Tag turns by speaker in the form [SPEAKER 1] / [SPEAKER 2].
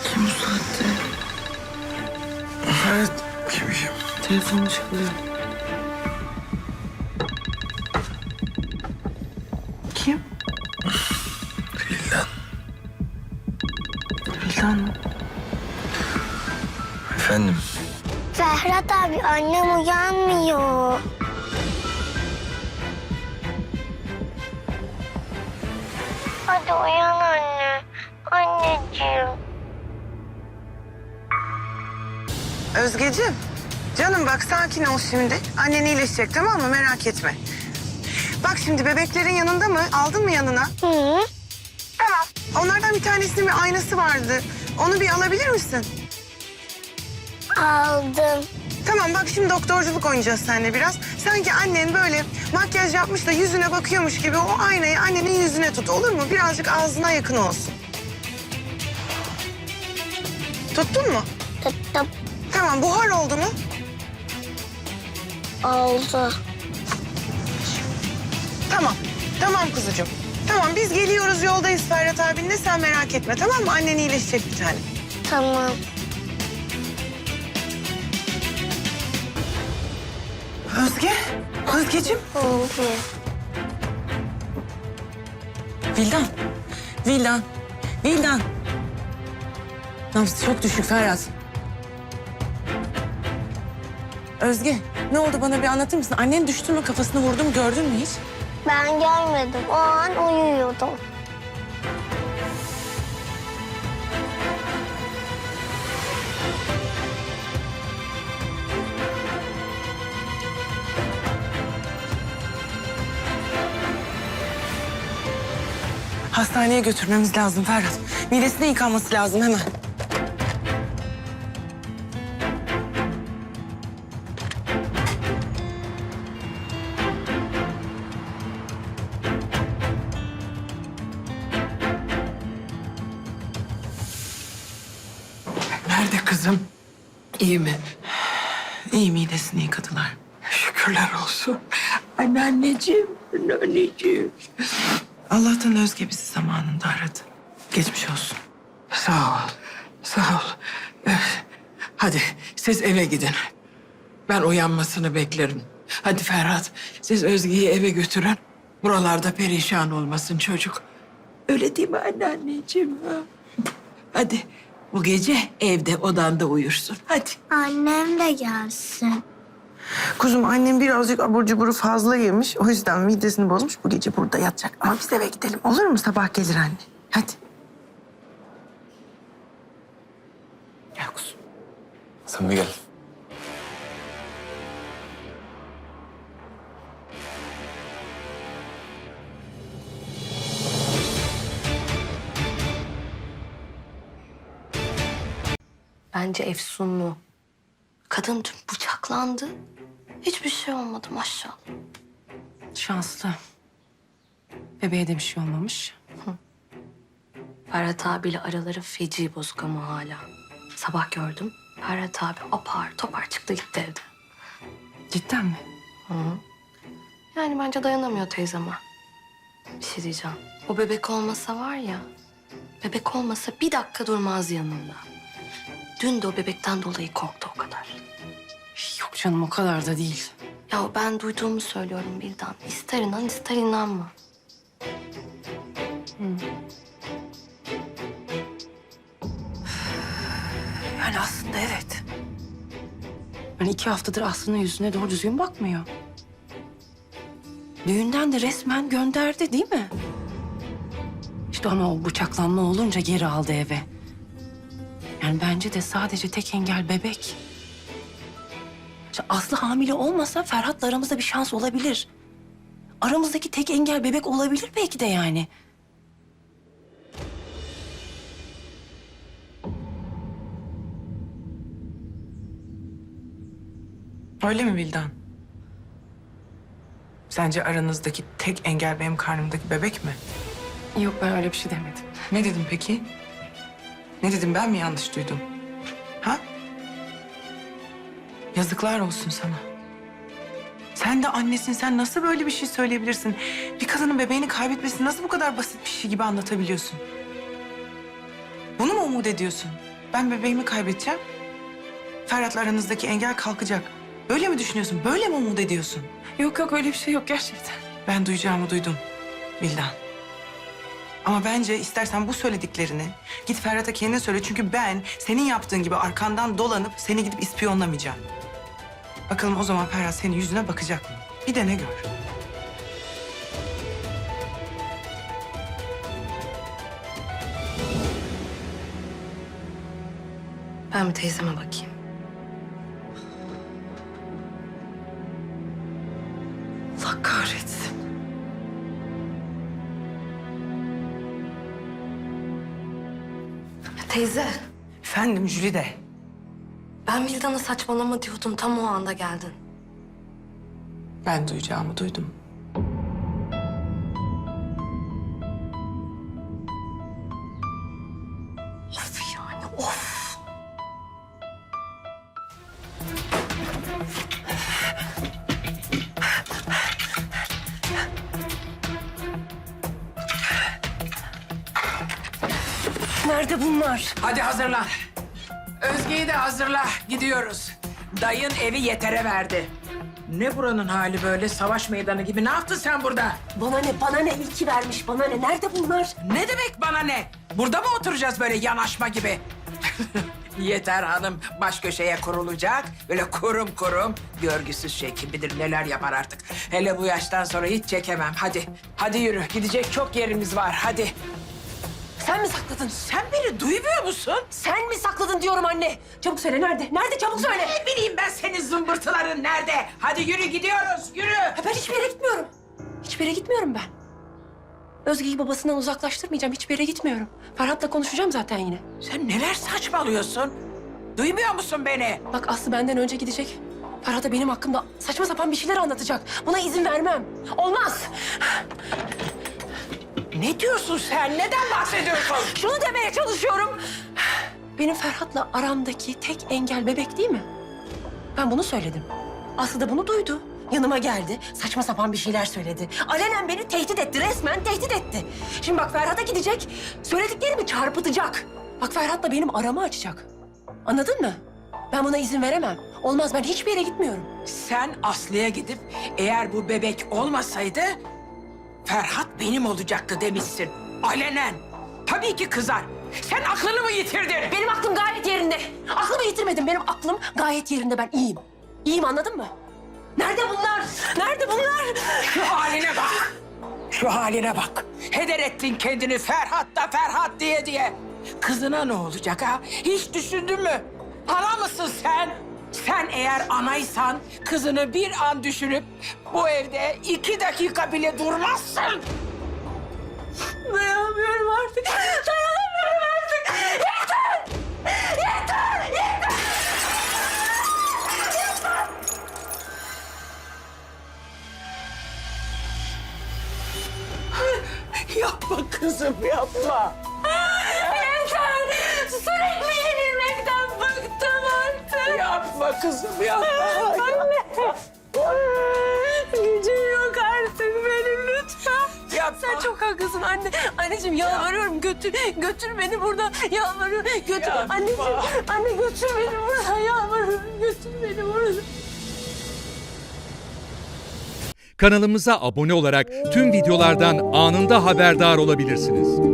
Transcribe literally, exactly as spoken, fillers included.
[SPEAKER 1] Kim bu saatte?
[SPEAKER 2] Evet, kim kim?
[SPEAKER 1] Telefon çalıyor. Kim?
[SPEAKER 2] Vildan.
[SPEAKER 1] Vildan mı?
[SPEAKER 2] Efendim?
[SPEAKER 3] Ferhat abi, annem uyanmıyor. Hadi uyan anne. Anneciğim.
[SPEAKER 4] Özgeciğim, canım bak sakin ol şimdi. Annen iyileşecek, tamam mı? Merak etme. Bak şimdi bebeklerin yanında mı? Aldın mı yanına?
[SPEAKER 3] Hı?
[SPEAKER 4] Tamam. Onlardan bir tanesinin bir aynası vardı. Onu bir alabilir misin?
[SPEAKER 3] Aldım.
[SPEAKER 4] Tamam bak şimdi doktorculuk oynayacağız seninle biraz. Sanki annen böyle makyaj yapmış da yüzüne bakıyormuş gibi o aynayı annenin yüzüne tut, olur mu? Birazcık ağzına yakın olsun. Tuttun mu?
[SPEAKER 3] Tuttum.
[SPEAKER 4] Tamam, buhar oldu mu?
[SPEAKER 3] Oldu.
[SPEAKER 4] Tamam. Tamam kuzucuğum. Tamam, biz geliyoruz, yoldayız Ferhat abinle, sen merak etme, tamam mı? Annen iyileşecek bir tane.
[SPEAKER 3] Tamam.
[SPEAKER 4] Özge, Özgeciğim.
[SPEAKER 3] Oldu.
[SPEAKER 5] Vildan, Vildan, Vildan. Nabzı çok düşük Ferhat. Özge, ne oldu bana bir anlatır mısın? Annen düştü mü, kafasını vurdu mu, gördün mü hiç?
[SPEAKER 3] Ben görmedim. O an uyuyordum.
[SPEAKER 5] Hastaneye götürmemiz lazım Ferhat. Midesine yıkanması lazım hemen.
[SPEAKER 2] Nerede kızım? İyi mi?
[SPEAKER 5] İyi, midesini yıkadılar.
[SPEAKER 2] Şükürler olsun. Anneanneciğim, anneanneciğim.
[SPEAKER 5] Allah'tan Özge bizi zamanında aradı. Geçmiş olsun.
[SPEAKER 2] Sağ ol, sağ ol. Eh, Hadi siz eve gidin. Ben uyanmasını beklerim. Hadi Ferhat, siz Özge'yi eve götürün. Buralarda perişan olmasın çocuk. Öyle değil mi anneanneciğim? ha? Hadi bu gece evde odanda uyursun. Hadi.
[SPEAKER 3] Annem de gelsin.
[SPEAKER 4] Kuzum, annem birazcık abur cuburu fazla yemiş. O yüzden midesini bozmuş. Bu gece burada yatacak. Ama biz eve gidelim. Olur mu? Sabah gelir anne. Hadi.
[SPEAKER 5] Gel kuzum.
[SPEAKER 2] Sen de gel.
[SPEAKER 6] Bence efsunlu. Kadın dün bıçaklandı. Hiçbir şey olmadı maşallah.
[SPEAKER 5] Şanslı. Bebeğe de bir şey olmamış.
[SPEAKER 6] Ferhat abiyle araları feci bozuk ama hala. Sabah gördüm. Ferhat abi apar topar çıktı gitti evden.
[SPEAKER 5] Cidden mi?
[SPEAKER 6] Yani bence dayanamıyor teyzeme. Bir şey diyeceğim. O bebek olmasa var ya... Bebek olmasa bir dakika durmaz yanında. Dün de o bebekten dolayı korktu o kadar.
[SPEAKER 5] Yok canım, o kadar da değil.
[SPEAKER 6] Ya ben duyduğumu söylüyorum Bildan. İster inan ister inanma.
[SPEAKER 5] Yani aslında evet. Yani iki haftadır Aslı'nın yüzüne doğru düzgün bakmıyor. Düğünden de resmen gönderdi değil mi? İşte ama o bıçaklanma olunca geri aldı eve. Yani bence de sadece tek engel bebek. İşte Aslı hamile olmasa Ferhat'la aramızda bir şans olabilir. Aramızdaki tek engel bebek olabilir belki de yani.
[SPEAKER 7] Öyle mi Vildan? Sence aranızdaki tek engel benim karnımdaki bebek mi?
[SPEAKER 5] Yok, ben öyle bir şey demedim.
[SPEAKER 7] Ne dedim peki? Ne dedim, ben mi yanlış duydum? Ha? Yazıklar olsun sana. Sen de annesin, sen nasıl böyle bir şey söyleyebilirsin? Bir kadının bebeğini kaybetmesini nasıl bu kadar basit bir şey gibi anlatabiliyorsun? Bunu mu umut ediyorsun? Ben bebeğimi kaybedeceğim. Ferhat'la aranızdaki engel kalkacak. Böyle mi düşünüyorsun? Böyle mi umut ediyorsun?
[SPEAKER 5] Yok yok öyle bir şey yok gerçekten.
[SPEAKER 7] Ben duyacağımı duydum Vildan. Ama bence istersen bu söylediklerini git Ferhat'a kendin söyle. Çünkü ben senin yaptığın gibi arkandan dolanıp seni gidip ispiyonlamayacağım. Bakalım o zaman Ferhat senin yüzüne bakacak mı? Bir dene gör.
[SPEAKER 6] Ben bir teyzeme bakayım. Allah kahretsin. Teyze,
[SPEAKER 7] Efendim Jülide.
[SPEAKER 6] ben Vildan'a saçmalama diyordum. Tam o anda geldin.
[SPEAKER 7] Ben duyacağımı duydum.
[SPEAKER 6] Of yani, of. Nerede bunlar?
[SPEAKER 2] Hadi hazırlan. Özge'yi de hazırla. Gidiyoruz. Dayın evi yetere verdi. Ne buranın hali böyle savaş meydanı gibi? Ne yaptın sen burada?
[SPEAKER 5] Bana ne, bana ne? İyi ki vermiş, bana ne? Nerede bunlar?
[SPEAKER 2] Ne demek bana ne? Burada mı oturacağız böyle yanaşma gibi? Yeter hanım baş köşeye kurulacak. Böyle kurum kurum. Görgüsüz şey kim bilir neler yapar artık. Hele bu yaştan sonra hiç çekemem. Hadi, hadi yürü. Gidecek çok yerimiz var. Hadi.
[SPEAKER 5] Sen mi sakladın?
[SPEAKER 2] Sen beni duymuyor musun?
[SPEAKER 5] Sen mi sakladın diyorum anne. Çabuk söyle, nerede? Nerede? Çabuk söyle.
[SPEAKER 2] Ne bileyim ben senin zımbırtıların nerede? Hadi yürü gidiyoruz, yürü.
[SPEAKER 5] Ha, ben hiçbir yere gitmiyorum. Hiçbir yere gitmiyorum ben. Özge'yi babasından uzaklaştırmayacağım. Hiçbir yere gitmiyorum. Ferhat'la konuşacağım zaten yine.
[SPEAKER 2] Sen neler saçmalıyorsun? Duymuyor musun beni?
[SPEAKER 5] Bak Aslı benden önce gidecek. Ferhat'a benim hakkımda saçma sapan bir şeyler anlatacak. Buna izin vermem. Olmaz.
[SPEAKER 2] Ne diyorsun sen? Neden bahsediyorsun?
[SPEAKER 5] Şunu demeye çalışıyorum. Benim Ferhat'la aramdaki tek engel bebek değil mi? Ben bunu söyledim. Aslı da bunu duydu. Yanıma geldi. Saçma sapan bir şeyler söyledi. Alenen beni tehdit etti. Resmen tehdit etti. Şimdi bak Ferhat'a gidecek. Söylediklerimi çarpıtacak. Bak Ferhat'la benim aramı açacak. Anladın mı? Ben buna izin veremem. Olmaz, ben hiçbir yere gitmiyorum.
[SPEAKER 2] Sen Aslı'ya gidip eğer bu bebek olmasaydı Ferhat benim olacaktı demişsin. Alenen. Tabii ki kızar. Sen aklını mı yitirdin?
[SPEAKER 5] Benim aklım gayet yerinde. Aklımı yitirmedim. Benim aklım gayet yerinde. Ben iyiyim. İyiyim, anladın mı? Nerede bunlar? Nerede bunlar?
[SPEAKER 2] Şu haline bak. Şu haline bak. Heder ettin kendini Ferhat da Ferhat diye diye. Kızına ne olacak ha? Hiç düşündün mü? Ana mısın sen? Sen eğer anaysan kızını bir an düşünüp bu evde iki dakika bile durmazsın.
[SPEAKER 5] Dayanamıyorum artık. Dayanamıyorum artık. Yeter! Yeter! Yeter!
[SPEAKER 2] Yapma kızım yapma.
[SPEAKER 5] Yeter! Sürekli yenilmekten bıktım artık.
[SPEAKER 2] Yapma kızım yapma.
[SPEAKER 5] Anne! Gücüm yok artık benim, lütfen.
[SPEAKER 2] Yapma.
[SPEAKER 5] Sen çok haklısın anne. Anneciğim yalvarıyorum, götür götür beni buradan. Yalvarıyorum, götür.
[SPEAKER 2] Yapma.
[SPEAKER 5] Anneciğim, anne götür beni buradan. Yalvarıyorum, götür beni buradan.
[SPEAKER 8] Kanalımıza abone olarak tüm videolardan anında haberdar olabilirsiniz.